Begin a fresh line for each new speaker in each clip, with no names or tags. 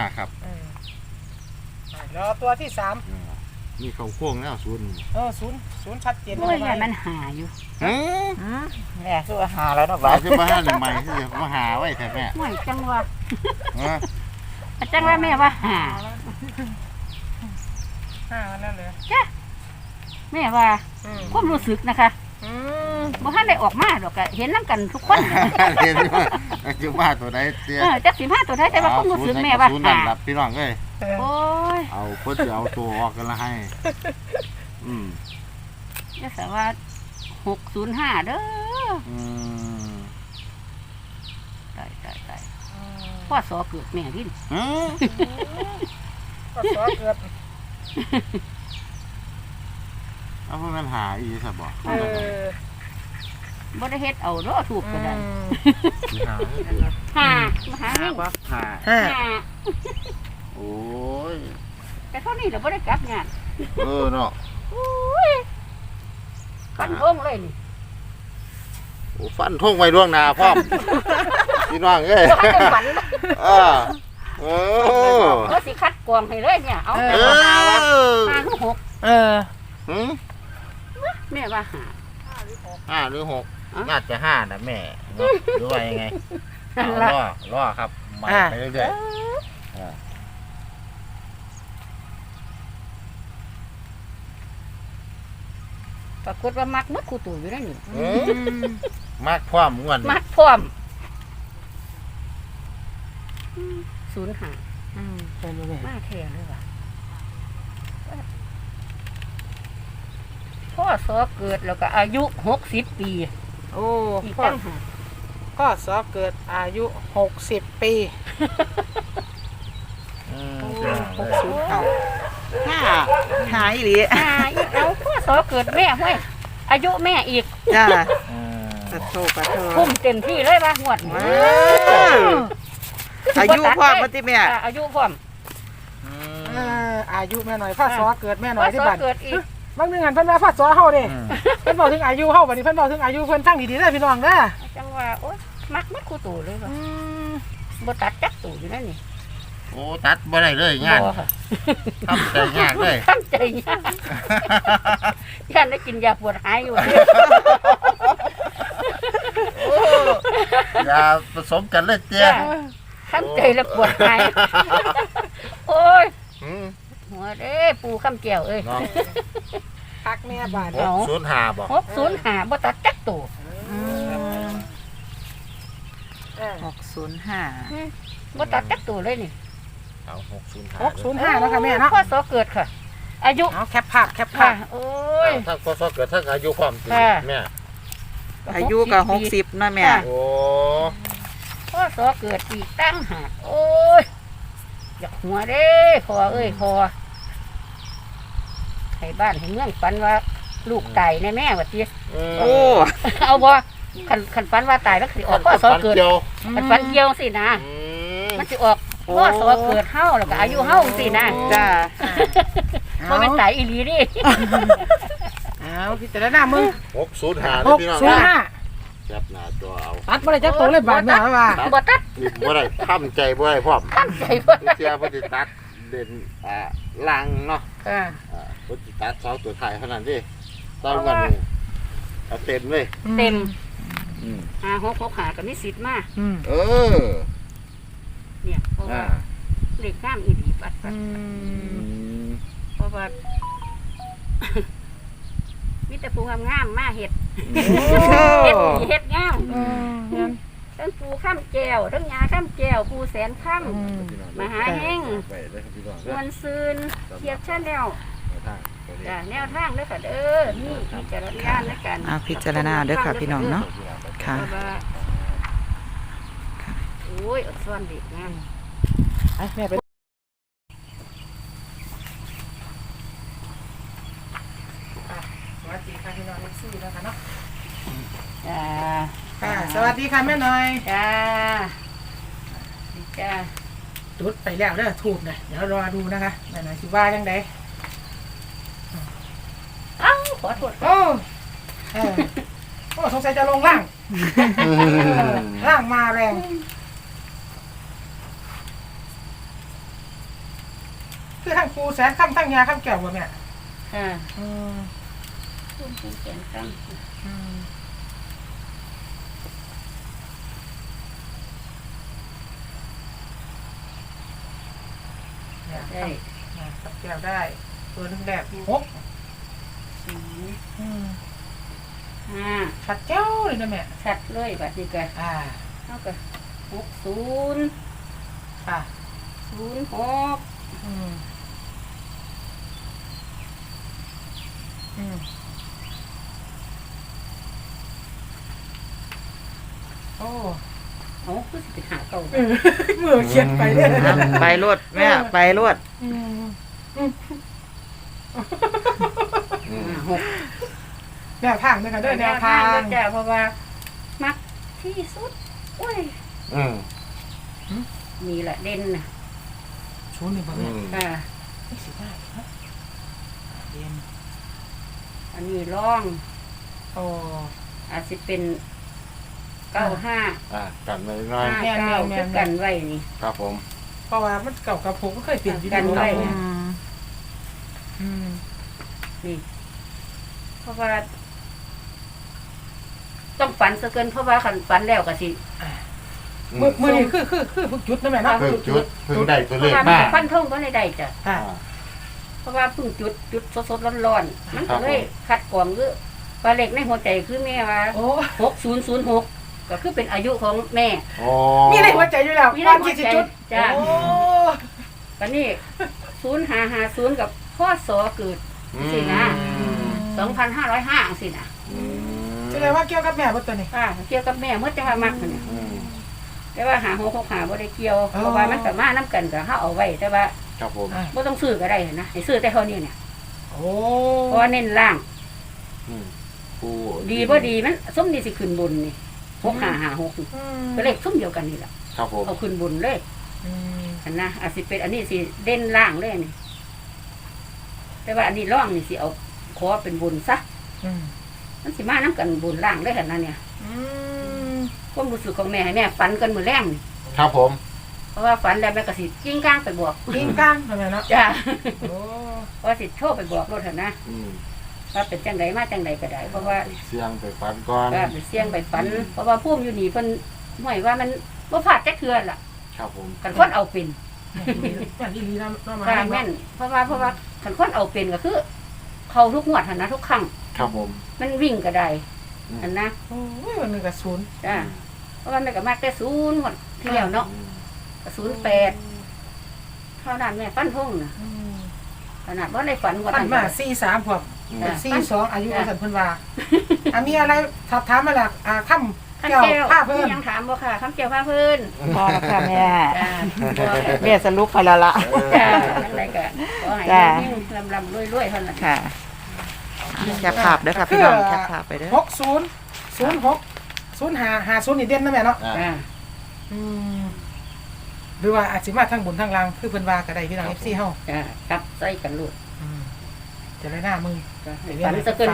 ครับ
รอตัวที่สาม
มีเขาโค้งแล้วศูนย์
ศูนย์ชัดเจน
โอ้ยมันหาอยู่
แม่คือหาแล้วเนาะ
บ้าจะมาหาหนึ่งใหม่ที่จะมาหาไว้แต่แม่
ห่วยจังว่า
ฮะ
จังว่าแม่ว่าหา
นั่นเลย
แม่ว่าความรู้สึกนะคะบ่ทันได้ออกมาดอกก็เห็นนำกันทุกคน
เรียนว่าจะมาตัวใดเตี้ย
จัก15ตัวได้แต่ว่าความรู้สึกแม่ว่า
ศูนย์นั่
หาน
ล่ะพี่น้องเอ้ย
โอ้ย
เอาคนจะเอาตัวออกกันละให้
จะสว่า605เด้อตายพ่อสอเกิดแม่ดิน
ก็สอเกิด
เอาเพื่อนหาอีสับบอก
บ่ได้เฮ็ดเอาเด้อถูกก็ได้
หา
มาหาเฮง
หาโอ้ย
แต่เท่านี้เราบ่ได้กลับงาน
เนาะ
โอ้ยฟันโงเลยนี่
โอ้ฟันท่งไว้ล่วงหน้าพร้อมพี่น้องเอ้ย
บ่ให้ฝัน ก็สิคัดกรองให้เลยเนี่ยเอาแต่หาว่า5หรือ6แม่ว่าหา
5 หรือ 6น่าจะ5นะแม่หรือว่ายังไงรอครับมาไปเรื่อยๆ
ปรากฏว่ามักหมดคู่ตู่อยู่นั่นนี่
มากความม่วน
มักพร้อม05มาแท้เลยว่ะพ่อสอเกิดแล้วก็อายุ60 ปี
โอ้
อีก
พ่อ
ตั้งหาก
พ่อสอเกิดอายุ60 ปีหายหรือ
อีกเอาพ่อสอเกิดแม่ห้วยอายุแม่อีก
จ้าปะโท
พุ่มเต็มที่เลยว่าหวด
อายุพ่อปฏิแม่
อายุพร้อม
อายุแม่หน่อยพ่อสอเกิดแม่หน่
พ่
อ
อย
ที่
สอ
บ้าน
เกิดอีก
บางเดือนเพิ่นว่าพ่อสอเฮาเด้เพิ่นบอกถึงอายุเฮาบัดนี้เพิ่นบอกถึงอายุเพิ่นตั้งดีๆเด้อพี่น้องเด้อ
จังว่าโอ๊ยมักมัดคู่ตู่เลยว่ะบ่ตัดจักตู่อยู่นั่นนี่
โอ้ตัดบ่ได้เลยงาน
บ่ค่ะ
ทำใจยากเลย
ตั้งใจยากย่านได้กินยาปวดหายอยู่
อย่าผสมกันเลยเตี้ย
ตั้งใจแล้วปวดหายโอ้ยหัวเด้ปูข้ามแก้วเอ้ย
พักแม่บาด
605บอก
605บ่ตัดจักตู่
605
บ่ตัดจักตู่เลยนี่
เอา
605
605
แล้วค่ะแม่เนาะ
พ่อสอเกิดค่ะ อายุ
เอาแคปภาพ
ค่ะโอ้ย
ถ้าพอเกิดถ้าอายุความจริงแม่
อายุก็60นะแม่
โอ้
พ่อสอเกิดอีกตั้งหากโอ้ยอยากหัวเด้พอเอ้ยพอให้บ้านให้เมืองฝันว่าลูกตายแม่ว่าติ
โอ้
เอาบ่คันฝันว่าตายแล้วสิออกพ่อสอเกิดคันฝันเกี่ยวสินะมันสิออกพ่อสอเกิดเฮาแล้วก็อายุเฮาสินะ
จ้า
บ่แม่นตายอีหลีดิ
เอาพิจารณามึง
605พี่น้อง
605
จับหน้าจอเอา
ตัดบ่ได้จักตัวเลยบาดแม่ว่า
บ่ตัด
บ่ได้ทำใจบ่ได้พร้อม
ตั้งใจบ่
เสียเพิ่นสิตัดเด่นลังเนาะ
ค่ะ
เพิ่นสิตัด2ตัวท้ายเท่านั้นเด้ต้องกันนี่เอาเต็มเลย
เต็ม6หาก็มีสิทธิ์มา
เออ
เนี่ยเพราะว่าเลขงามอีหลีปัดเพราะว่า มีแต่ปูงามๆมาเฮ็ดเฮ็ดดีเฮ็ดงามทั้งปูข้ามแก้วทั้งยาข้ามแก้วปูแสนข้ามมหาแห้งมวนซืนเทียบชาแนลจ้ะแนวทางเด้อค่ะเด้อนี่พิจารณาในการ
พิจารณาเด้อค่ะพี่น้องเนาะค่ะ
โอ้ยอดซ่อนเด็กงาม
แม่ไปสวัสดีค่ะพี่น้องซี่แล้วค่ะเนาะ
จ้า
ค่ะสวัสดีค่ะแม่หน่อย
จ้าจ้า
จุดไปแล้วเด้อถูกนะเดี๋ยวรอดูนะคะแม่หน่อยสิว่าจังได
เอ้าขอโทษ
โอ้สงสัยจะลงล่างล่างมาแรงคือทั้งปูแสนค่ำทั้งยาค่ำแก้วบ่แม่
ค่ะ
อืม
พุ่มปูแสนค่
อืมเนี่ย
ำได้
ค่ำแก้วได้ตัวนึงแบบหก
ศูนย์
อืม
ห้า
ชัดเจ้าเลยนะแม่
ชัดเลยบัดนี้ก็ เท่ากับ60
ค่ะ
06
อืมอืมโอ้
เอาคือสิไปหาเก่า
มือเขียนไปเนี่ย
ไปรวดแม่ไปรวด
อืม
6
แนวทางนะคะด้วยแนวทาง
จ้ะเพราะว่ามักที่สุดโอ้ย
อืม
มีแหละเด่นน่ะ
ศูนย์หนึ่งประ
อื
มาณ
ม
ค่ะ
ไม่สิบห้าครับเรียน
อันนี้ร่อง
โอ้
อาจสิเป็น95
กันไว้หน่อย
59คือกันไว้นี่
ครับผม
เพราะว่ามันเก่ากับผมก็เคยเปลี่ยนอยู่
กันไว้
ดี
เนี่ย
อืม
นี่เพราะว่าต้องฝันซะเกินเพราะว่าคันฝันแล้วก็สิ
มือนี่คือพวกจุดนะแม่เนาะ
เพิ่งจุดเพิ่งได้ตัว
เพ
เล
ราะ
ข
ว่า
มา
ฟันทงก็ได้จ้ะ
ค่ะ
เพราะว่าเพิ่งจุดสดๆร้อนๆมันก็เลยคัดกรองคือว่าเลขในหัวใจคือแม่ว่า
โอ้
6006ก็คือเป็นอายุของแม่
โอ้
มีในหัวใจอยู่แล้ว
มีใน
วัน
หัว
ที่สิ
ใจ
จุด
จ้ะ
โอ้
ก็นี่0550กับพ่อสอเกิด สินะ 2505สินะ
แสดงว่าเกี่ยวกับแม่บ่ตัวนี้
เกี่ยวกับแม่เมื่อจะว่ามักเนี่ย
อืม
แต่ว่า665บ่ได้เกี่ยว
อ๋อ
เพราะว่ามันก็มานํกันก็เฮาเอาไว้แต่ว่า
ครับผม
บ่ต้องซื้อก็ได้นะให้ซื้อแต่เท่านี้เนี่ย
โอ้
เพราะว่าเน้นล่าง
อืมปู
ดีบ่ดีมันส้มดีสิขึ้นบนนี่6556
อืม
ก็เลขส้มเดียวกันนี่แหละ
ครับผม
เอาขึ้นบนเลย
อืม
อันนะอาจสิเป็นอันนี้สิเด่นล่างเลยนี่แต่ว่าอันนี้ร่องนี่สิเอาขอเป็นบนซะ
อืม
มันสิมานํกันบนล่างเลยหั่นน่ะเนี่ย
อืม
ความรู้สึกของแม่ให้แม่ฝันกันมื้อแรงนี่
ครับผม
เพราะว่าฝันแล้วแม่ก็สิกิ้งก้างไปบอก
กิ้งก้างนะแม่เนาะ
จ้า
โอ้
ว่าสิโทรไปบอกรถหั่นนะ
อืม
ว่าเป็นจังไดมาจังไดก็ได้เพราะว่า
เสียงไปฟันก่อน
ก็ไปเสี่ยงไปฝัน เพราะว่าภูมิอยู่นี่เพิ่นห่วยว่ามันบ่พลาดจักเทื่อล่ะ
ครับผม
กันคนเอาเป็น
อย่างอีหลีนะมา
ค่ะแม่นเพราะว่าคันคนเอาเป็นก็คือ เขาทุกงวดหั่นนะทุกครั้ง
ครับผม
มันวิ่งก็ได้อันนะ
โอ้ยวันหนึงกับศูนย์
จ้าเพราะว่าแม่ก็มักแต่0งวดที่แล้วเนาะก็08เท่านั้นแม่ฟันธงน่ะ
อืม
ขนาดว่าได้ฝันว่า
ปันมา43พวก
อืม
42อายุสันเพิ่นว่ามีอะไรสอบถามมาล่ะค่ำ
คำ
แก้ว
แก้ว
ผ้าเพิ่น
ยังถามบ่ค่ะคำแก้วผ้าเพิ่น
พอแล้วค่ะแม่
จ้าบ่ค่ะ
แม่สรุปไปแล้วล่ะ
จ้าจังไดก็ขอให้
จ้า
ยิ่งลำรวยๆเท่านั้น
ค่ะแคปภาพเด้อค่ะพี่น้องแคปภาพไปเด้อ
60 06 05 50นี่เด่นนะแม่เนาะ
อ่า
จ้า
อืมหรือว่าอาจสิมาทางบนทางล่างคือเพิ่นว่าก็ได้พี่น้อง FC เฮา
จ้ากลับใส่กันลูก
จะได้หน้ามึง
จ้าให้ฝันซะเกิน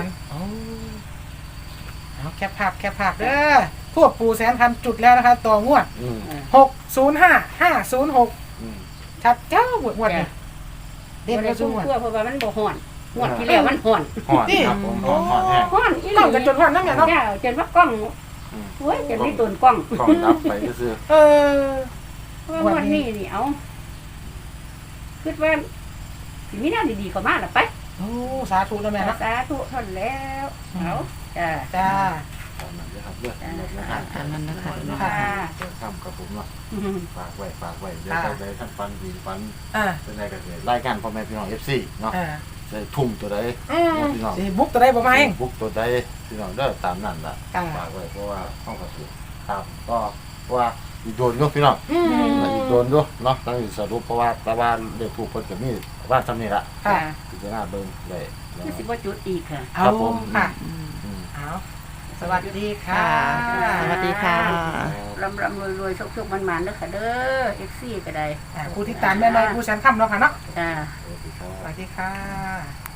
เอาแคปภาพเด้อพวกปูแสนคำจุดแล้วนะคะต่องวด
อืม
605506
อืม
ชัดเจ้าหมวดนี่เด่น
บ่
ก็
ได้
สู
ชุ่
ง
ม
วด
ทั่วเพราะว่ามันบ่ฮ้อนงวดที่แล้วมันฮ้อน
หอดครับผมหอดหอดแห้ง
ฮ้อนอีห
ต้
ลี
องกันจนวันนั้นแม่เนาะ
จ้าจนว่ากล้อง
อืม
โอ้ยจนมีตุนกล้อง
กล้องรับไปก็คือ
เออ
เพราะว่างวดนี้นี่เอาคิดว่าสิมีแนวดีๆเข้ามาล่ะไป
โอ้สาธุนะแม่เนาะ
สาธุเท่านั้นแล้วเอาจ้า
จ้า
ตามนั้นเลยครับเลือกหมดนะค
ตามนั้นนะคะ
ค่ะ
ทำกับผมเนาะ
อืม
ฝากไว้เดี๋ยวไปท่านฟันดีฟัน
อ่า
เป็นไงกันเลยรายการพ่อแม่พี่น้อง FC เนาะ
อ่า
จะทุ่มตัวใด พี่น้อง
สิบุกตัวได้บ่มาเอง
บุกตัวใดพี่น้องเด้อตามนั้นล่ะ
อ่า
ฝากไว้เพราะว่าห้องกระสุนครับก็เพราะว่าอีกโดนอยู่พี่น้อง
อืม
อีกโดนอยู่เนาะต้องสรุปเพราะว่าแต่ว่าเด็กถูกคนกับมีว่าทำนี่ละ
ค่ะ
พิจารณาเบิ่งได้
คือสิบ่จุดอีกค่ะ
เอาค่ะ
อืม
เอาสวัสดีค่ะ
สวัสดีค่ะ
รำรวยๆโชคๆมันๆเด้อค่ะเด้อ FC ก็ได้
ผู้ที่ตามแม่น้อยผู้แสนค่ำเนาะค่ะเนาะ
จ้า
สวัสดีครับ
สวัสดีค่ะ